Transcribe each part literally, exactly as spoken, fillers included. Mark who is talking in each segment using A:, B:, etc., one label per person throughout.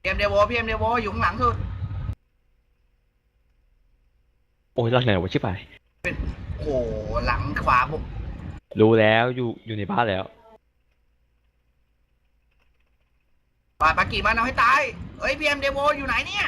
A: พีเอ็มเดโวพีเอ็มเดโวอยู่ข้างหลังสุด
B: โอ้ยหลังไหนวะชิบหาย
A: เป็นโอ้หลังขวาบุก
B: รู้แล้วอยู่อยู่ในบ้านแล้ว
A: ปาปากีมันเอาให้ตายเอ้ยพีเอ็มเดโวอยู่ไหนเนี่ย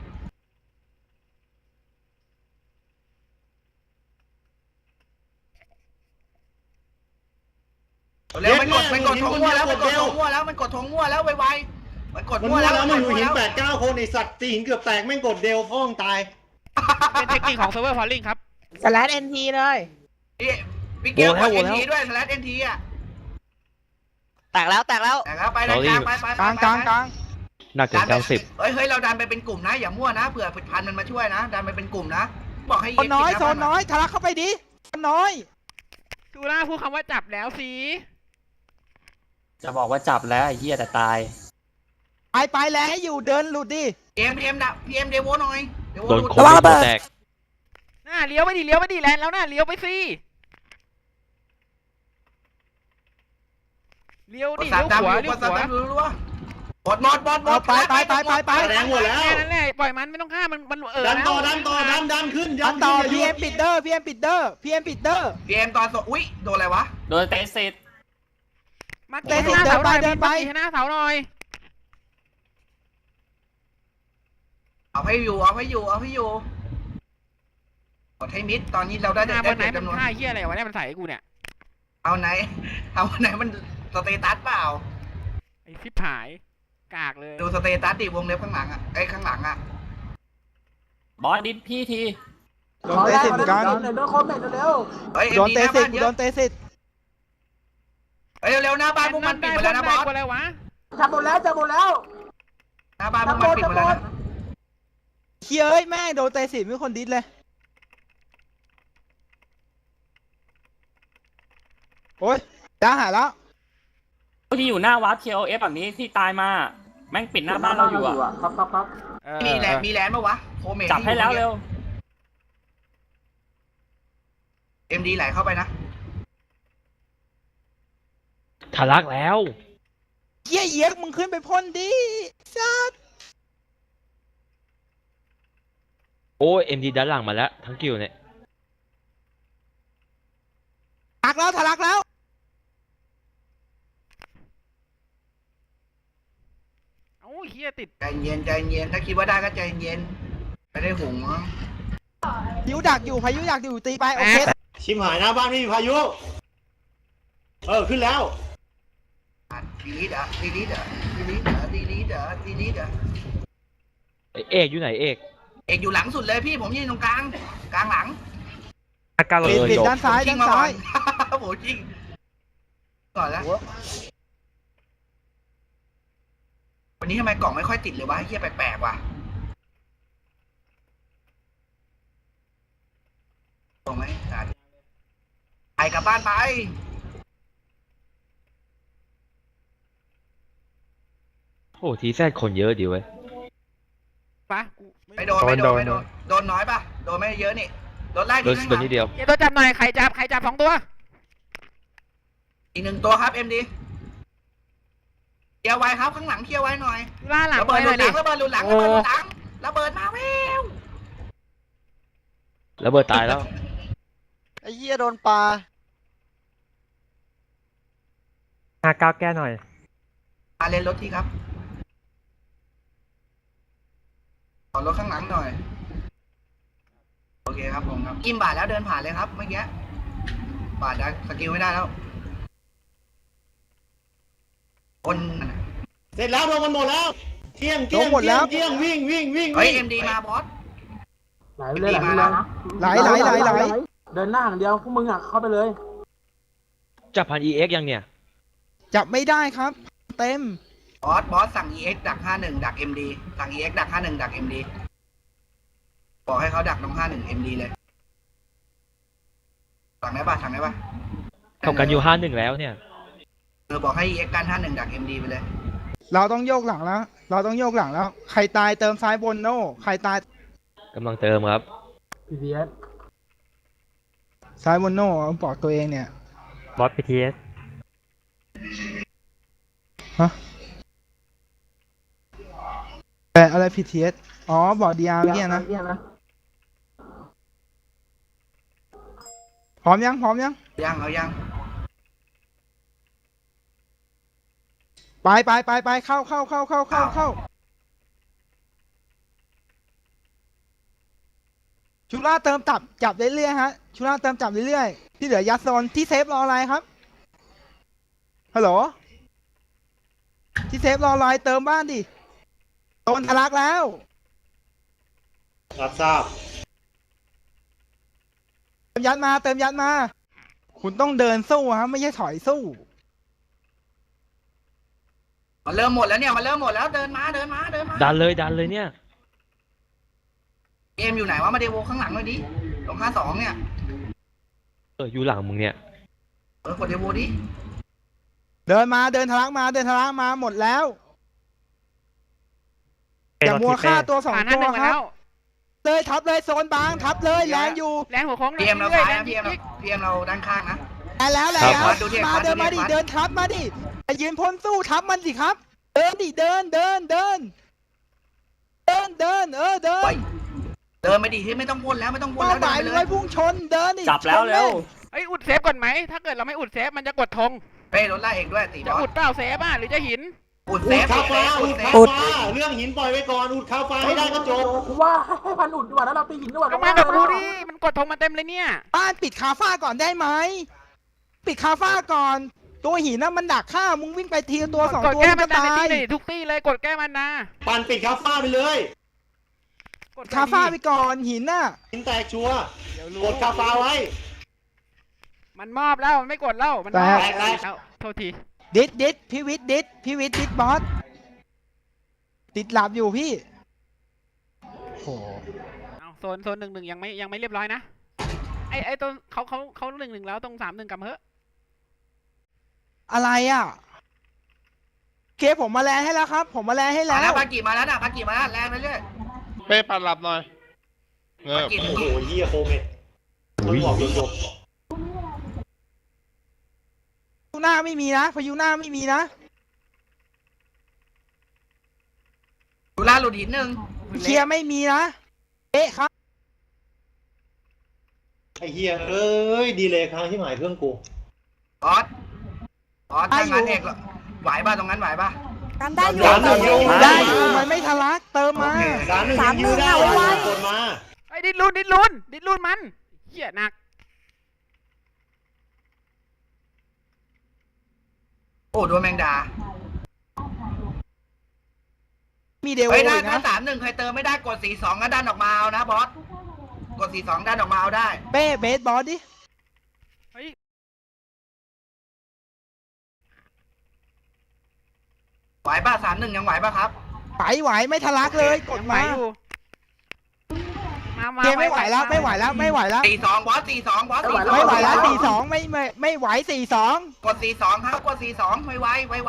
A: เร็วมันกดมันกดทงมั่วแล้วมันกดทงมั่วแล้วมันกดทงมั่วแล้วไวๆมันกด
C: มัน
A: มั่ว
C: มั่ว
A: แล้ว
C: แล้วมันอยู่หินแปดเก้าคนไอสัตว์ตีหินเกือบแตกแม่งกดเดลพ่องตาย
D: เป็นเทคนิคของเซิร์ฟเวอร์พอลลิงครับ
E: สแลชเอ็นทีเลย
A: พี่เกลกดเอ็นทีด้วยสแลชเอ็นทีอ่ะ
E: แตกแล้วแตกแล้ว
A: แต่แล้วไปด้านกลางไปไป
F: กลางกลางกลาง
B: หนักเกินเก้าสิบ
A: เฮ้ยเฮ้ยเราดันไปเป็นกลุ่มนะอย่ามั่วนะเผื่อผิดพันมันมาช่วยนะดันไปเป็นกลุ่มนะบอกให้
F: โซนน้อยโซนน้อยทะลักเข้าไปดิโซนน้อย
D: กูน่าพูดคำว่าจับแล้วสิ
G: จะบอกว่าจับแล้วไอ้เหี้ยแต่ตาย
F: ไปไปแล้วให้อยู่เดินหลุดดิ
A: พีเอ็มพีเอ็มดับพีเอ็มเดโวหน่อย
B: โดนโควิดแตก
D: หน้าเลี้ยวไปดิเลี้ยวไปดิแลนแล้วหน้าเลี้ยวไปสิเลี้ยวดิเลี้ยวขวาเลี้ยวขวา
A: บดหมดบดหมด
F: ไปไปไปไปไป
C: แรงหมดแล้ว
D: แค่นั้นแหละปล่อยมันไม่ต้องฆ่ามันมันเออ
C: ดันต่อดันต่อดันดันขึ้น
F: ดันต่อพีเอ็มปิดเดอร์พีเอ็มปิดเดอร์พีเอ็มปิดเดอร์
A: พีเอ็มตอนสอุ้ยโดนอะไรวะ
G: โดนเตะเสร็จ
D: มาเตะหน้าเสาหน่อยเดินไปหน้าเสาหน่อย
A: เอาให้อยู่เอาให้อยู่เอาให้อยู่กดให้มิดตอนนี้เราได้
D: หน้าบนไหนมันฆ่าเหี้ยอะไรวะเนี่ยมันใส่กูเนี่ย
A: เอาไหนเอาไหนมันสเตตัสเปล่า
D: ไอ้ชิบหายกากเลย
A: ดูสเตตัสดิวงเล็บข้างหลังอ่ะไอ้ข้างหลังอ่ะ
G: บอสดิสพี่ที
F: โดนเตะสิบกัน
A: โดนคอมเมนต์เร็ว
F: โดนเตะสิบโดนเตะสิบ
A: เฮ้ยเร็วๆหน้าบ้านพวกมันปิดหมดแล้วนะบอส
D: อะไรวะ
A: จับหมดแล้วจับหมดแล้วหน้าบ้านพวกมันปิดหมดแล้วนะ
F: เคียเอ้ยแม่โดนเตะสิบไม่คนดิสเลยโอ้ยจ้าหาแล้ว
G: ที่อยู่หน้าวาร์ปเคโอเอฟแบบนี้ที่ตายมาแม่งปิดหน้าบ้านเราอยู่อ่ะ
A: ครับครับครับมีแลนมีแลนปะวะโคเมน
G: จับให้แล้วเร็ว
A: เอ็มดีไหลเข้าไปนะ
B: ทะลักแล้ว
F: เยี่ยเยี่ยมึงขึ้นไปพ่นดิซัด
B: โอ้ยเอ็มดีด้านหลังมาแล้วทั้งกิวเนี่ย
F: ทะลักแล้วทะลักแล้ว
D: โอ้ยเฮียติด
A: ใจเย็นใจเย็นถ้าคิดว่าได้ก็ใจเย็นไม่ได้หุงมั้ง
F: พายุดักอยู่พายุดักอยู่ตีไปโอเค
C: ชิมหายหน้าบ้านไม่มีพายุเออขึ้นแล้ว
A: ดีลิดอ่ะดีลิดอ่ะดีลิดอ่ะดีลิดอ่ะดีลิดอ่ะ
B: เอกอยู่ไหนเอก
A: เอกอยู่หลังสุดเลยพี่ผมยืนตรงกลางกลางหลัง
F: ปิดปิดด้านซ้ายด้านซ้าย
A: โหจริงก่อนแล้ววันนี้ทำไมกล่องไม่ค่อยติดเลยวะเฮียแปลกๆว่ะตรงไหมไปกลับบ้านไป
B: โอ้ทีแซดคนเยอะดีเว้ย
D: ปะ
A: ไม่โดนไม่โดนไม่โดนโดนน้อยปะโดนไม่เยอะนี่โดนไล่
B: โดนโดนนิดเดียว
D: เดี๋ยวตัวจับหน่อยใครจับใครจับสองตัว
A: อีกหนึ่งตัวครับเอ็มดีเคลียร์ไว้ครับข้างหลังเคลียร์ไว้หน่อย
D: ล่าหลัง
A: ระเบิดหลุดหลังระเบิดหลุดหลังระเบิดหลุดหลังระเบิดมาแวว
B: ระเบิดตายแล้ว
E: ไอ้เหี้ยโดนปลา
G: ห้าเก้าแก้หน่อย
A: อาเลนรถที่ครับขอรถข้างหลังหน่อยโอเคครับผมครับกิมบาดแล้วเดินผ่านเลยครับเมื่อกี้บาดได้สกิลไม่ได้แล้วคน
C: เสร็จแล้วลงมันหมดแล้วเที่ยงเที่ยงเที่ยงเที่ยงวิ่งวิ่งวิ่ง
A: เฮ้ยเอ็มดีมาบอส
H: ไหลเลยไหลเลยนะ
F: ไหลไหลไหลไหล
H: เดินหน้าอย่างเดียวพวกมึงอ่ะเข้าไปเลย
B: จับพันเอ็กยังเนี่ย
F: จับไม่ได้ครับเต็ม
A: บอสบอสสั่ง อี เอ็กซ์ ดักห้าหนึ่งดัก เอ็ม ดี สั่ง อี เอ็กซ์ ดักห้าหนึ่งดัก เอ็ม ดี บอกให้เขาดักตรงห้าหนึ่ง เอ็ม ดี เลยสั่งได้ป่ะสั่งได้ป่ะ
B: เขากันอยู่ห้าหนึ่งแล้วเนี่ย
A: เออบอกให้ อี เอ็กซ์ กันห้าหนึ่งดัก เอ็ม ดี ไปเลย
F: เราต้องโยกหลังแล้วเราต้องโยกหลังแล้วใครตายเติมซ้ายบนโน่ใครตาย
B: กำลังเติมครับ
H: พี ที เอส
F: ซ้ายบนโน่บอกตัวเองเนี่ย
G: บอส พี ที เอส
F: ฮะอะไร พี ที เอส อ๋อบอร์ด ดี อาร์ เมื่อกี้นะ พร้อมยังพร้อมยัง
A: ยังเอายัง
F: ไปไปไปไปเข้าเข้าเข้าเข้าเข้าเข้าชุล่าเติมจับจับเรื่อยๆฮะชุล่าเติมจับเรื่อยๆที่เหลือยัดโซนที่เซฟรออะไรครับฮัลโหลที่เซฟรออะไรเติมบ้านดิโดนทะลักแล้ว
C: รับทราบ
F: เติมยัดมาเติมยัดมาคุณต้องเดินสู้ฮะไม่ใช่ถอยสู้
A: มันเริ่มหมดแล้วเนี่ยมันเริ่มหมดแล้วเดินมาเดินมาเดินมา
B: ดันเลยดันเลยเนี่ย
A: เกมอยู่ไหนวะมาเดโวข้างหลังหน่อยดิตรงห้าสองเนี่ย
B: เอออยู่หลังมึงเนี่ย
A: เออกดเดโวดิ
F: เดินมาเดินทะลักมาเดินทะลักมาหมดแล้วอย่ามัวฆ่าตัวสอง
D: ผ่านหน้า
F: ตั
D: ห
F: ว
D: นึ่งมา
F: ครั
D: แล้
F: บ
D: ว
F: เลยทับเลยโซนบางทับเลยแรงอยู่
D: แรงหัวโค้ง
A: พีเอ็มเรา
D: รื่
A: ซ้าย
D: ๆ
A: นะพีเอ็มเราพีเอ็มเราด้านข้างนะ
F: แรงแล้วแรง
B: ครั
F: แล้ว
B: บ
A: ดูดิ
F: มา
A: ครับ
F: เดินมาดิ
A: ดูดิครับ
F: เดินทับมาดิไปยืนพ้นสู้ทับมันสิครับ เดินดิเดินเดินเดินเดินเดินเออเดิน
A: ไปเดินไปดิที่ไม่ต้องวนแล้วไม่ต้องวน
F: เป้า
A: แล้ว
F: หมาย
A: เดิน
F: เล
A: ไป
F: ยพุ่งชนเดินดิ
G: จับแล้ว
F: ชน
G: เร็ว
D: เอ้ยอุดเซฟก่อนไหมถ้าเกิดเราไม่อุดเซฟมันจะกดธง
A: เป้รถไล่เอกด้วยตีบ
D: จะ
A: อ
D: อุ
A: ส
D: ดเปล่าเซฟอ่ะหรือจะหิน
A: อุด
C: อุ
A: เซ
C: ด
A: ฟ
C: คา
A: เซ
C: ฟ้า
A: ฟ
C: อุ
A: อุ
C: ด
A: ดเซ
C: คา
A: ฟ
C: ฟ้าเรื่องหินปล่อยไว้ก่อนอุดคาฟ้าให้ได้ก็จบ
H: กูว่าให้พันอุดดีกว่าแล้วเราตีหินดีกว่า
D: ก็มากับกูดิมันกดธงมาเต็มเลยเนี่ย
F: บ้านปิดคาฟ้าก่อนได้ไหมปิดคาฟ้าก่อน ตัวหินน่ะมันดักฆ่ามึงวิ่งไปทีละตัวสอง
D: กด
F: ตัว
D: แก้
F: มึง
D: มัน
F: จะ
D: นาใน
F: ตาย
D: ที่เลยทุกที่เลยกดแก้มันนา
C: ปั่นปิดคาฟ้าไปเลย
D: กด
F: คาฟ้าไปก่อนหินน่ะ
C: หินแตกชัวร์
D: เดี๋ยวรู้
C: กดคาฟ้าไว้
D: มันมอบแล้วมันไม่กดแล้วมันม
F: แต
D: อบ
C: แตกแตก
D: เอ้าโทษที
F: ดิดดิดพี่วิทย์ดิดพี่วิทย์ดิดบอสติดหลับอยู่พี่โห
D: เอาโซนโซนหนึ่งหนึ่งยังไม่ยังไม่เรียบร้อยนะไอไอตัวเขาเขาเขาหนึ่งหนึ่งแล้วตรงสามหนึ่งกับเฮ้
F: อะไรอ่ะเคผมมาแลนให้แล้วครับ ผมมาแลนให้
A: มา
F: แล้
A: แล้ว วปากีมาแล้วนะปากีมาแล้วแรงไปเรื่อย
I: เป้ปันหลับหน่อยเงื
A: ปา
I: อบ
A: กี
C: โอ้โหเยี่ยโคเมตมันบอกจบ
F: พายุหน้าไม่มีนะพายุหน้าไม่มีนะ
A: ดูล่าหลุดหินหนึ่ง
F: เคลียร์ไม่มีนะเอ๊ะครับ
C: ไอ้เหี้ยเอ้ยดีเลยค้างที่หมายเครื่องกู
A: บอสบอสทางงานเอกเหรอไหวป่ะตรงนั้นไหวป่ะ
J: กันได้อยู่
C: สามหนึ่งยู
F: ได้อยู่มันไม่ทะลักเติมมา
A: โอเค
C: สามหนึ่ง
J: สามหนึ่
C: ยู
J: ง
C: ได้
J: เอาไว้
C: กดมา
D: ไอ้ดิดลุนดิดลุนดิดลุนมันเหี้ยหนัก
A: โอ้โดนแมงดา
F: มีเดว
A: เฮ้ยถ้า
F: อีก
A: ถ้า
F: นะ
A: สามหนึ่งใครเติมไม่ได้กดสี่สองก็ดันออกมาเอานะบอสกดสี่สองดันออกมาเอาได้
F: เป้เบสบอสดิ
D: เฮ้ย
A: ไหวป่ะสามหนึ่งยังไหวป่ะครับ
F: ไหวไหวไม่ทะลักเลยกด
D: ยังไหว
F: มา
D: อยู่มามา
F: เคไม่ไหวแล้วไม่ไหวแล้วไม่ไหวแล้ว
A: สี่สองบอสสี่สองบอสสี่สอง
F: ไม่ไหวแล้วสี่สองไม่ไม่ไม่ไหวสี่สอง
A: กดสี่สองครับกดสี่สองไวไวไวไว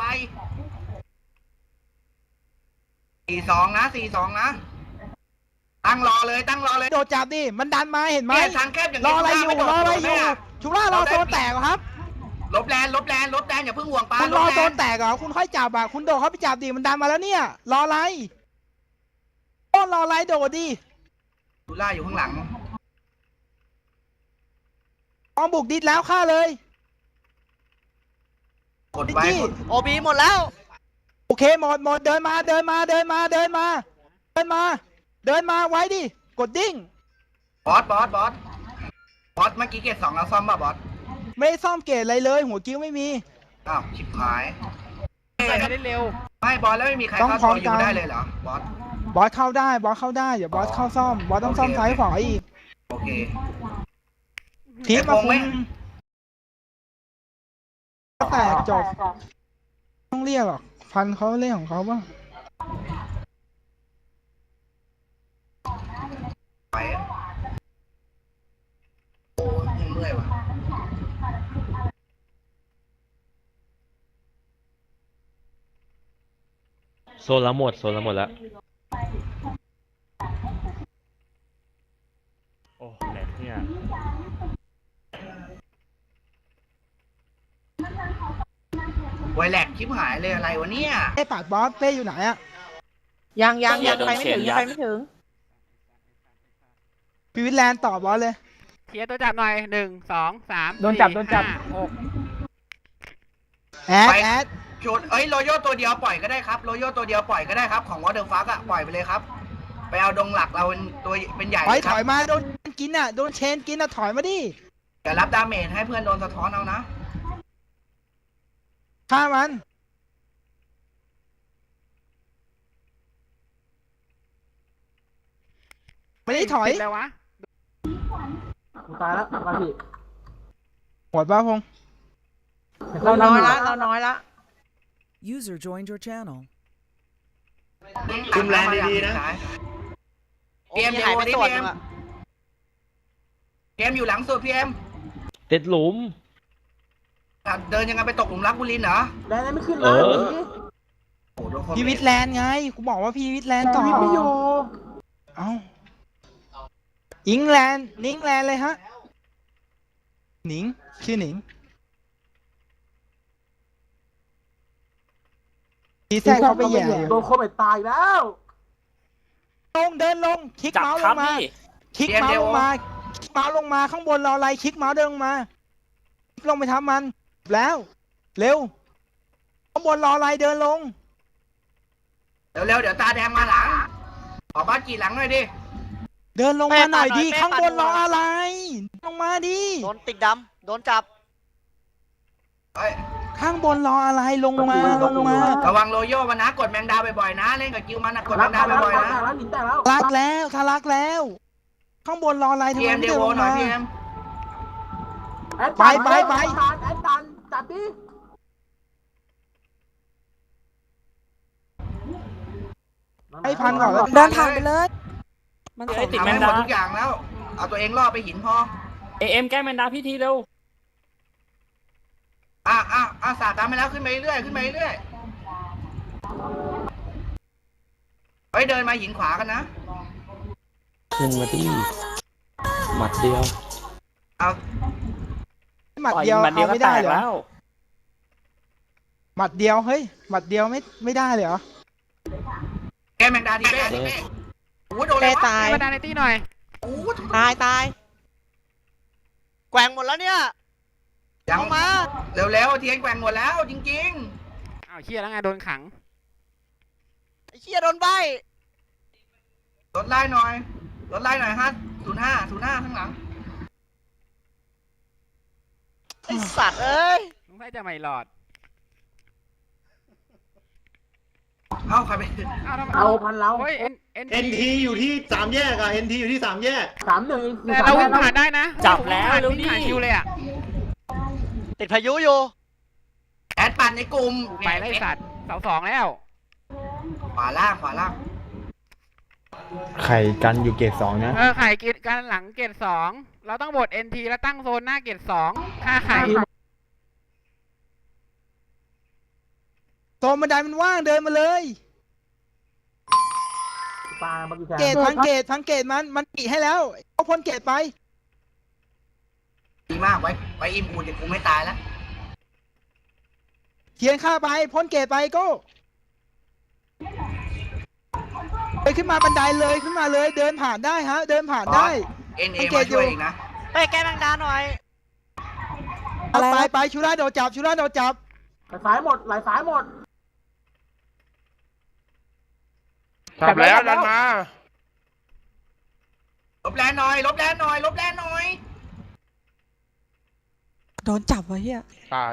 A: สี่สองนะสี่สองนะตั้งรอเลยตั้งรอเลย
F: โดดจับดิมันดันมาเห็นไหม
A: เนี่ยทางแคบอย่าง
F: รอ
A: นี้
F: อะไรอยู่
A: ม่โดด
F: รออะไรอยู่
A: ม่ะ
F: ชุล่ารอโซนแตกเหรอครับ
A: ลบแลนลบแลนลบแลนอย่าเพิ่งห่วงปลา
F: คุณ
A: ล
F: รอบ โซ
A: แล
F: น
A: น
F: แตกเหรอคุณค่อยจับอ่ะคุณโดดเข้าไปจับดิมันดันมาแล้วเนี่ยรออะไรโอ้รออะไรโดดดิ
A: ดูล่าอยู่ข้างหลัง
F: ออมบุกดิดแล้วฆ่าเลย
A: กดไว้
F: ดิจี้
A: กด
E: โอบีหมดแล้ว
F: โอเคหมดหมดเดินมาเดินมาเดินมาเดินมา เดินมา เดินมาไว้ดิกดดิ้ง
A: บอสบอสบอสบอสเมื่อกี้เกตสองเราซ่อมป่ะบอส
F: ไม่ได้ซ่อมเกตอะไรเลย หัวกิ้วไม่มี
A: อ้าวชิบหาย
D: ใส่ไม่ได้เร็ว
A: ไม่บอสแล้วไม่มีใคร
F: ต้อง
A: เข้า
F: พร้อ
A: ตั
F: ม
A: วอยู่
F: กัน
A: ได้เลยเหรอบอส
F: บอสเข้าได้บอสเข้าได้เดี๋ยวบอสเข้าซ่อมบอสต้องซ่อมซ้ายขวาอีก
A: โอเค
F: ทีมมา
A: ไอ้พงไหม
F: คุมแตกจบต้องเรียกหรอกฟันเขาเล่นของเขาบ้าง
A: ไปโอ้ยเมื่อยว่ะ
B: โซนละหมดโซนละหมดแล้ว
G: โอ้แหลกเนี่ย
A: ไวแลกชิบหายเลยอะไรวะเนี่ย
F: เป้ปาดบอสเป้อยู่ไหนอะ
E: ยังยัง
G: เชีย
E: ยั
G: ร์
E: ง
G: โดน
E: ไปไม่
G: เชีย
E: ถึ
G: ร์
E: ง
G: ยั
E: ยัง
G: ด
E: ไปไม่ถึง
F: พีวิทแลนด์ตอบบอสเลย
D: เคลียร์ตัวจับหน่อยหนึ่งสองสาม
C: โดนจับโดนจับ
D: ห้าหก
F: แอดแอด
A: ชุดเอ้ยโรโยตัวเดียวปล่อยก็ได้ครับโรโยตัวเดียวปล่อยก็ได้ครับของวอเตอร์ฟักอะปล่อยไปเลยครับ ไปเอาดงหลักเราเป็นตัวเป็นใหญ่
F: ถอย
A: ค
F: ถ
A: รับ
F: อยมาโดนกินอ่ะโดนเชนกินอ่ะถอยมาดิ
A: อย่ารับดาเมจให้เพื่อนโดนสะท้อนเอานะ
F: ฆ่ามันไม่ได้ถอย
D: ติดแล้ววะ
H: ตายแล้วมาพี่
F: หมดป่ะพงษ์
E: เราน้อยละเราน้อยละ
J: User joined your channel.
C: คุมแลนด์ดีๆนะ
E: โอ้ยหายไปส่วนนึงอะ
A: พีเอ็มอยู่หลังสุดพีเอ็ม
B: ติดหลุม
A: เดินยังไงไปตกหลุมรักบุรินทร์เหรอ
H: แรงไม่ขึ้น
B: เอ
H: นะ
B: อ
A: โอ้โหโดนคน
F: พีวิทแลนด์ไงกูบอกว่าพีวิทแลนด์ต่อ
H: วิทไม่อยู่
F: เอ้าอิงแลนด์นิงแลนด์เลยฮะหนิงชื่อหนิงทีแทรกเขาไปแย่อยู่
H: โดนโควิดตายแล้ว
F: ลงเดินลงคลิก
G: จับ
F: เมาส์
G: ค
F: ล
G: รับ
F: งมา
G: พี่
F: คลิกเมาส์ลงมาคลิกเมาส์ลงมาข้างบนรออะไรคลิกเมาส์เดินลงมาคลิกลงไปทำมันแล้ว เร็วข้างบนรออะไรเดินลง
A: เร็วๆเดี๋ยวตาแดงมาหลังออกบ้านกี่หลังหน่อยดิ
F: เดินลงมาหน่อยดิข้างบนรออะไรลงมาดิ
E: โดนติดดำโดนจับ
A: เอ้ย
F: ข้างบนรออะไรลงมาลงมา
A: ระวังโรโย่มันนะกดแมงดาบ่อยๆนะเล่นกับกิวมันนะกดแม
H: รัก
A: งดา
H: แตกแล้ว
A: บ่อย
H: รัก
A: ๆนะ
H: แตกแล้วหนินแตกแล้ว
F: รักแล้วทะลักแล้ว ข้างบนรออะไรทำ
A: พี
F: ไม
A: เอ็ม
F: ไม่
A: เด
F: เดิน
A: โว
F: ลง
A: หน่อย
F: มา
A: พีเอ็ม
H: แอดตัน
F: ไปไปไป
H: แอดตันจับดิ
F: ให้พันก่อนแล้ว
A: เดินผ่านไปเลย
E: มัน
G: เอ้ยติด
A: ทำ
G: แม
A: ให้
G: น
A: หม
G: ดา
A: ดทุกอย่างแล้ว เอาตัวเองรอดไปหินพอ
G: เอเอ็มแก้แมนดาพี่ทีเร็ว
A: อ่ะอ่ะอ่ะสาดตามไปแล้วขึ้นไปเรื่อยขึ้นไปเรื่อยเฮ้ยเดินมาหินขวากันนะ
B: ขึ้นมาที่หมัดเดียว
A: เอา
F: หมัด
G: ต่อย
F: เดียว
G: มันเดียว
F: เอา
G: ก็
F: ไม่
G: แต
F: ได้
G: ก
F: เหรอ
G: แล้ว
F: หมัดเดียวเฮ้ยหมัดเดียวไม่ไม่ได้เลยเหรอ
A: แกแมงดาดีเป้ดีเป้โอ้โหโดน
E: เป
A: เลย
E: ตาย
D: มาดานในตี้หน่อย
A: โอ้โห
E: ตายตายแกว่งหมดแล้วเนี่ย
A: ยัง
E: ลงมา
A: เร็วๆเทียนแกว่งหมดแล้วจริง
D: อ้าวเชียแล้วไงโดนขัง
E: ไอ้เชี่ยโดนใบ
A: ๆลดไล่หน่อยลดไล่หน่อยฮะศูนย์ห้าศูนย์ห้าข้างหลัง
E: ไอสัตว์เอ้ย
D: ลุงไส้จะไม่หลอด
A: เอ้าใครไป
D: อ้าวทำไม
H: เอาพันเรา
D: เฮ้ยเอ็นเอ็น
C: เอ็นทีอยู่ที่สามแยกอะเอ็นทีอยู่ที่สามแยก
H: สามหนึ่ง
D: แต่เราวิ่งผ่านได้นะ
G: จับแล้ว
D: วิ่ง
G: เร็ว
D: ผ่าน
G: ดิ
D: คิวเลยอ่ะ
E: ติดพายุอยู่
A: แอดปั่นในกลุ่ม
D: ไปไล่สัตว์เสาสองแล้ว
A: ขวาล่างขวาล่าง
K: ไข่กันอยู่เกรดสองนะ
D: เออไข่เกตการหลังเกตสองเราต้องบดเอ็นทีแล้วตั้งโซนหน้าเกตสองค่าไข่
F: โซนบันไดมันว่างเดินมาเลย
H: ปลาเมื่อกี้แท
F: เกตพังเกตพังเกตมันมันปีให้แล้วเอาพ้นเกตไป
A: ดีมากไว้ไว้อิมกูเดี๋ยวกูไม่ตายแล้ว
F: เทียนข้าไปพ้นเกตไปโก้เลยขึ้นมาบันไดเลยขึ้นมาเลยเดินผ่านได้ฮะ เดินผ่านได้
A: เอ็นเอ
F: สังเก
A: มา
F: ตอยู่
A: ช่วยอีกนะ
E: ไปแก้แมงดาหน่อย
F: เอาไปไปชูราโดดจับชูราโดดจับ
H: ไหลสายหมดไหลสายหมด
I: จับแล้วดันมา
A: ลบแรงหน่อยลบแรงหน่อยลบแรงหน่อย
J: โดนจับวะเฮีย
I: ตาย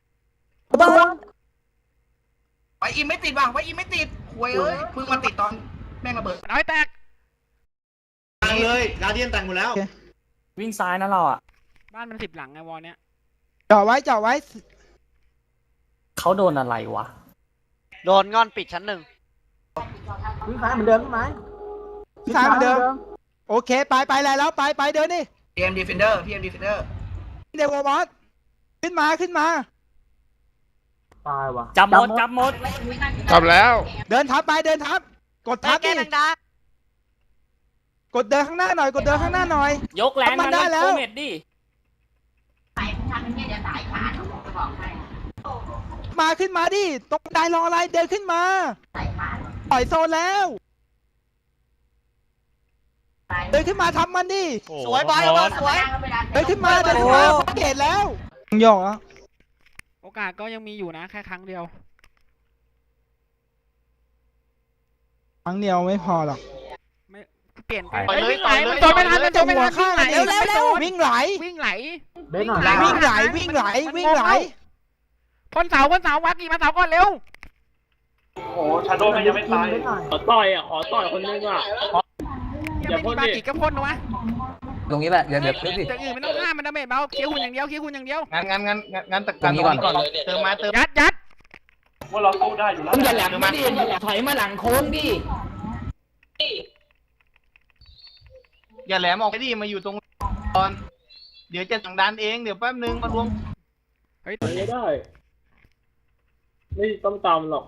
A: ไว้อิมไม่ติดว่ะไว้อิมไม่ติดหวยเอ้ยเพิ่งมาติดตอนแม่งระเบิด
D: น้อยแตก
C: แต่งเลยกาเดียนแต่งหมดแล้ว
G: วิ่งซ้ายนะเราอ่ะ
D: บ้านมันสิบหลังไงวอลเนี้ย
F: จ่อไว้จ่อไว้
G: เขาโดนอะไรวะ
E: โดนงอนปิดชั้นหนึ่ง
H: วิ่งสายเหมือนเดิมใช่ไหม
F: ซ้ายเหมือนเดิมโอเคไปไปแล้วแล้วไปไปเดินดิ
A: พีเอ็มดีเฟนเดอร์พีเอ็มดีเฟนเดอร์
F: เดวบอสขึ้นมาขึ้นมา
H: ตายว่ะ
G: จับหมดจับหมด
I: จับแล้ว
F: เดินทับไปเดินทับ กด
E: ไป
F: ทับ
E: แก้
F: ดิ
E: แมงดาก
F: ดเดินข้างหน้าหน่อยกดเดินข้างหน้าหน่อย
G: ยกแรง
F: มั
G: มาน
F: ได้
G: แล้ว
F: แล้ว
G: โคเมดดิ
F: มาขึ้นมาดิตรงได้รออะไรเดินขึ้นมาปล่อยโซนแล้วเดินขึ้นมาทำมันดิ
E: สวยบอยบอยสวย
F: เดินขึ้นมาเดินขึ้นมาเกตแล้วโยกอ่ะ
D: โอกาสก็ยังมีอยู่นะแค่ครั้งเดียว
F: ครั้งเดียวไม่พอหรอก
D: ไม่เปลี่ยนไป
E: ปล่อยเลย
D: วิ่งไหล
E: ปล่อยเลย
D: มันโดนไม่ทันมันโดนไม่ทัน
F: ข้าง
D: วิ่งไหล
F: เร็ว
D: วิ่งไหล
F: วิ่งไหล
D: วิ่งไหล
H: เบนหน่อย
F: วิ่งไหลวิ่งไหลวิ่งไหล
D: พ่นเสาพ่นเสาวัดกี่มาเสาก่อนเร็ว
G: โอ้ชาโดว์มันยังไม่ตาย
H: เบนหน่อย
G: ขอต่อยอ่ะขอต่อยคนนึงอ่ะ
D: ยังไม่มีบากิก็พ่นนะวะ
L: ตรงนี้แหละ เดี๋ยวเดี๋ยว
D: แต่อื่นไม่ต้องห้ามมันดาเมจเบาเคี้ยวหุ่นอย่างเดียวเคี้ยวหุ่นอย่างเดียว
A: งั้นงั้นงั้นงั้นตะการตรงนี้ก่อนเติมมาเติม
D: ยัดยัด
G: ว่าเราสู้ได้อยู่แล้ว
L: อย่าแหลมมาดิถอยมาหลังโค้งดิ
A: อย่าแหลมออกไปดิมาอยู่ตรงก่อนเดี๋ยวจะสั่งดันเองเดี๋ยวแป๊บนึงมารวม
D: เฮ้ย
G: ไม่ได้ไม่ต้องตามหรอก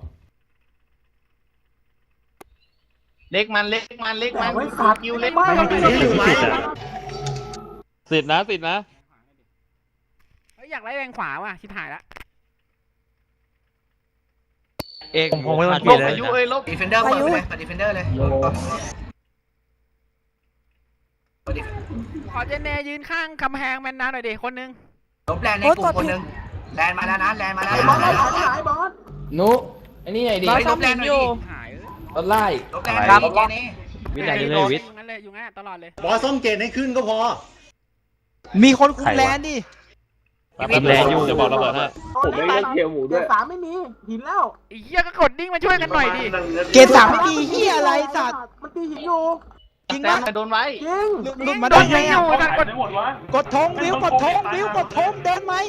A: เล็กมันเล็กมันเล็กมัน
H: ไว้สัตว์
A: คิวเล็ก
H: ไม่
A: มัน
H: ไม่ไม่
B: สิทธินะสิทธินะ
D: เฮ้ยอยากไล่แรงขวาว่ะชิบหายละ
B: เอก
K: ผมไม่ต้อง
A: ล
K: เปลี่ย
A: บ
K: นเลย
A: อายุเอ้ยลบดีเฟนเดอร์เปิดไปเลยดีเฟนเดอร์เลย
D: ขอเจเนยืนข้างกำแพงแมนนาหน่อยดิคนนึง
A: ลบแลนในกลุ่มคนหนึ่งแลนมาแล้วนะแลนมาแล้ว
H: ไอ้บอสไอ้บอสไอ้บอส
L: นุไอ้นี่ไงดิ
A: ไปลบแลนหน่อยดิ
D: หาย
L: ต้นไล่
A: ลบแลนครับเจนี่
B: วิทย์ไหนเลยวิทย์
D: อยู่งั้นเลยอยู่งั้นตลอดเลย
C: บอสส้มเกตให้ขึ้นก็พอ
F: มีคนคุมแลนดิ
B: มีแรงอยู่จะบอกระเบิดให้
H: ผมไม่เล่นเคียวหมูด้วยเกตสามไม่มีหินแล้ว
D: ไอ้เหี้ยก็กดดิ้งมาช่วยกันหน่อยดิ
F: เกตสามไม่มีเฮียอะไรสัตว์
H: มันตีหินอยู่
F: จริง
A: แซ
F: ปะ
A: มโดนไว้
H: จริง
F: หลุดหลุดมาได้ไง
D: อ
F: อะ
D: ยู่กันกด
F: กดธงวิวกดธงวิวกดธงเดินไหม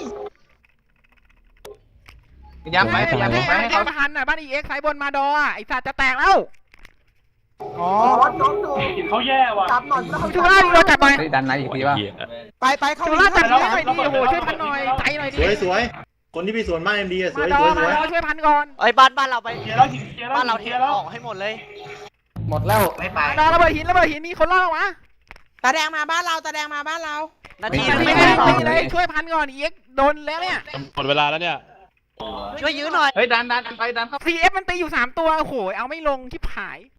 A: พยายามไปพยายาม
D: ให้
A: ไปให้
D: ให้
A: เขา
D: มาหันหน่อยบ้านอีเอ็กซ์สายบนมาดออ่ะไอ้สัตว์จะแตกแล้ว
F: อ๋อ
H: บอสโดนดู
G: กินเขาแย่ว่ะ
H: จับหน่อย
D: ชูล่าดิเราจับหน่อย
L: เฮ้ยดันไหนอีกทีป่ะ
F: ไปไปเข้า
D: ชูล่าจับหน่อยดิโอ้โหช่วยพันหน่อยใจหน่อยดิ
C: สวยสวยคนที่มีส่วนมากเอ็มดีอะส
D: มา
C: วย
D: ดอ
C: สวยส
D: มา
C: วย
D: ดอช่วยพันก่อน
E: เอ้ยบ้านบ้านเราไป
G: เคลียร์แล้วหินเคลียร์แล้ว
E: บ้านเราเท
G: คลียร์แล้ว
E: ออกให้หมดเลย
L: หมดแล้ว
A: ไม่ไป
D: มาดอระเบิดหินระเบิดหินมีคนล่อวะ
E: ตาแดงมาบ้านเราตาแดงมาบ้านเรา นาที
D: ตี
E: ไม่
D: เลย
E: ได้
D: ตีเลยช่วยพันก่อนอีเอ็กซ์โดนแล้วเนี่ย
B: หมดเวลาแล้วเนี่ย
E: ช่วยยื้อหน่อย
A: เฮ้ยดันดันไปดันเข้า
D: ซีเอฟมันตีอยู่สามตัวโอ้โหเอาไม่ลงที่ผาย